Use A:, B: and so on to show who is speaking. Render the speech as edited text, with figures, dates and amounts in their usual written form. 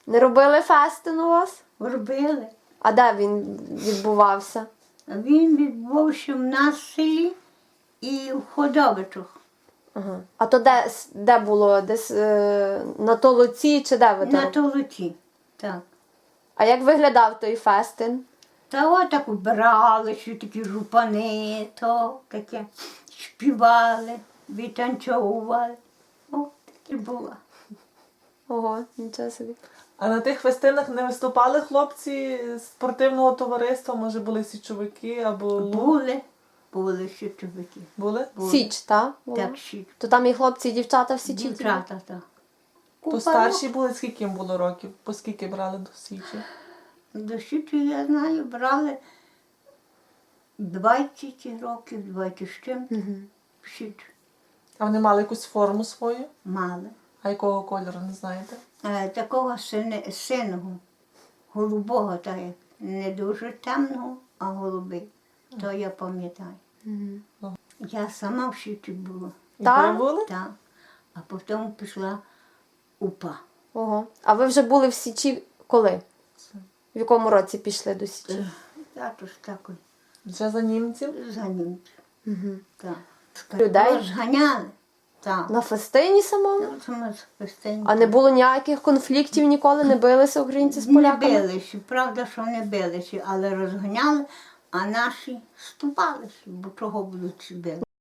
A: Не робили фестин у вас?
B: Робили.
A: А де він відбувався?
B: Він відбувся в нас в селі і в Ходовичах.
A: Ага. А то де було? Десь на Толоці чи де ви то
B: На
A: робили?
B: Толоці. Так.
A: А як виглядав той фестин?
B: Та отак убирали, що такі жупани, то таке співали, відтанцьовували. О, таке було.
A: Ого, нічого собі.
C: А на тих фестинах не виступали хлопці з спортивного товариства? Може були січовики або
B: Були ще чоловіки.
C: Були?
A: Січ, так?
B: Так, ще
A: То там і хлопці, і дівчата в Січі?
B: дівчата, так.
C: То старші були, скільки їм було років? По скільки брали до січі?
B: До Січі, я знаю, брали 20 років, 20 з чим. Січ
C: А вони мали якусь форму свою?
B: мали.
C: А якого кольору, не знаєте?
B: Такого синого, голубого, так як не дуже темного, а голубий. То я пам'ятаю. Я сама в Січі була.
C: І
A: Так?
C: ви були?
B: Так. А потім пішла УПА.
A: Ого. А ви вже були в Січі коли? В якому році пішли до Січі?
B: Тато ж такий
C: Вже за німців?
B: за німців. Так.
A: Людей?
B: Розганяли. Так.
A: На фестині самому?
B: А
A: Не було ніяких конфліктів ніколи? Не билися українці з
B: Не
A: поляками?
B: билися, правда, що не билися, але розганяли, а наші ступалися, бо чого будуть били.